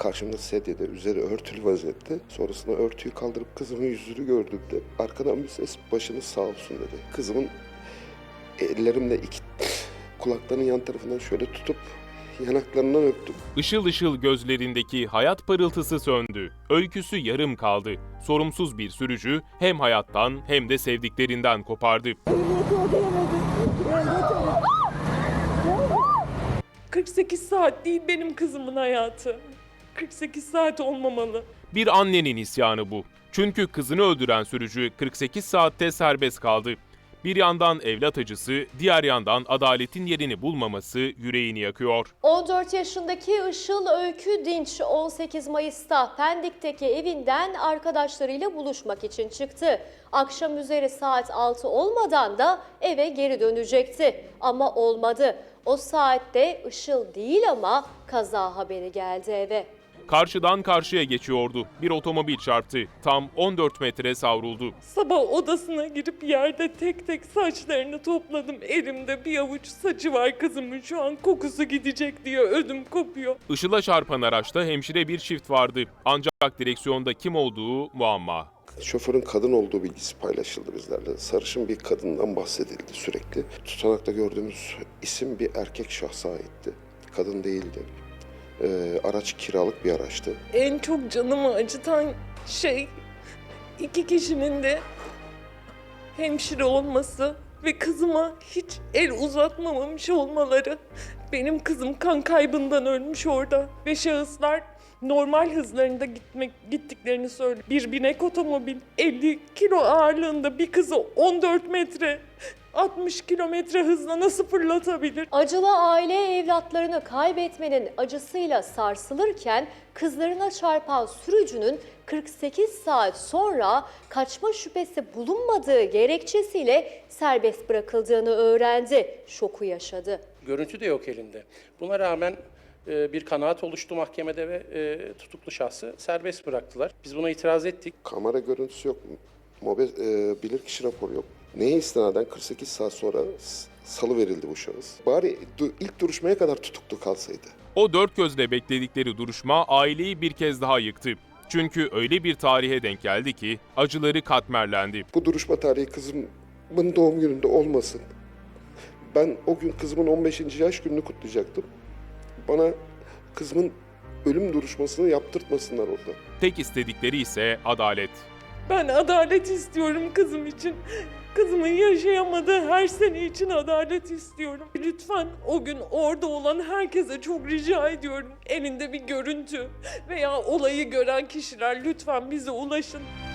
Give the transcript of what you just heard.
Karşımda sedyede, üzeri örtülü vaziyette. Sonrasında örtüyü kaldırıp kızımın yüzünü gördüğümde arkadan bir ses başınız sağ olsun dedi. Kızımın ellerimle kulaklarının yan tarafından şöyle tutup yanaklarından öptüm. Işıl ışıl gözlerindeki hayat parıltısı söndü. Öyküsü yarım kaldı. Sorumsuz bir sürücü hem hayattan hem de sevdiklerinden kopardı. 48 saat değil benim kızımın hayatı. 48 saat olmamalı. Bir annenin isyanı bu. Çünkü kızını öldüren sürücü 48 saatte serbest kaldı. Bir yandan evlat acısı, diğer yandan adaletin yerini bulmaması yüreğini yakıyor. 14 yaşındaki Işıl Öykü Dinç 18 Mayıs'ta Pendik'teki evinden arkadaşlarıyla buluşmak için çıktı. Akşam üzeri saat 6 olmadan da eve geri dönecekti ama olmadı. O saatte Işıl değil ama kaza haberi geldi eve. Karşıdan karşıya geçiyordu. Bir otomobil çarptı. Tam 14 metre savruldu. Sabah odasına girip yerde tek tek saçlarını topladım. Elimde bir avuç saçı var kızımın, şu an kokusu gidecek diye ödüm kopuyor. Işıl'a çarpan araçta hemşire bir çift vardı. Ancak direksiyonda kim olduğu muamma. Şoförün kadın olduğu bilgisi paylaşıldı bizlerle. Sarışın bir kadından bahsedildi sürekli. Tutanakta gördüğümüz isim bir erkek şahsa aitti. Kadın değildi. Araç kiralık bir araçtı. En çok canımı acıtan şey 2 kişinin de hemşire olması ve kızıma hiç el uzatmamış olmaları. Benim kızım kan kaybından ölmüş orada ve şahıslar normal hızlarında gittiklerini söylüyor. Bir binek otomobil 50 kilo ağırlığında bir kızı 14 metre 60 kilometre hızla nasıl fırlatabilir? Acılı aile evlatlarını kaybetmenin acısıyla sarsılırken kızlarına çarpan sürücünün 48 saat sonra kaçma şüphesi bulunmadığı gerekçesiyle serbest bırakıldığını öğrendi. Şoku yaşadı. Görüntü de yok elinde. Buna rağmen bir kanaat oluştu mahkemede ve tutuklu şahsı serbest bıraktılar. Biz buna itiraz ettik. Kamera görüntüsü yok. Bilirkişi raporu yok. Neye istinaden 48 saat sonra salı verildi bu şahıs. Bari ilk duruşmaya kadar tutuklu kalsaydı. O dört gözle bekledikleri duruşma aileyi bir kez daha yıktı. Çünkü öyle bir tarihe denk geldi ki acıları katmerlendi. Bu duruşma tarihi kızımın doğum gününde olmasın. Ben o gün kızımın 15. yaş gününü kutlayacaktım. Bana kızımın ölüm duruşmasını yaptırtmasınlar orada. Tek istedikleri ise adalet. Ben adalet istiyorum kızım için. Kızımın yaşayamadığı her sene için adalet istiyorum. Lütfen o gün orada olan herkese çok rica ediyorum. Elinde bir görüntü veya olayı gören kişiler lütfen bize ulaşın.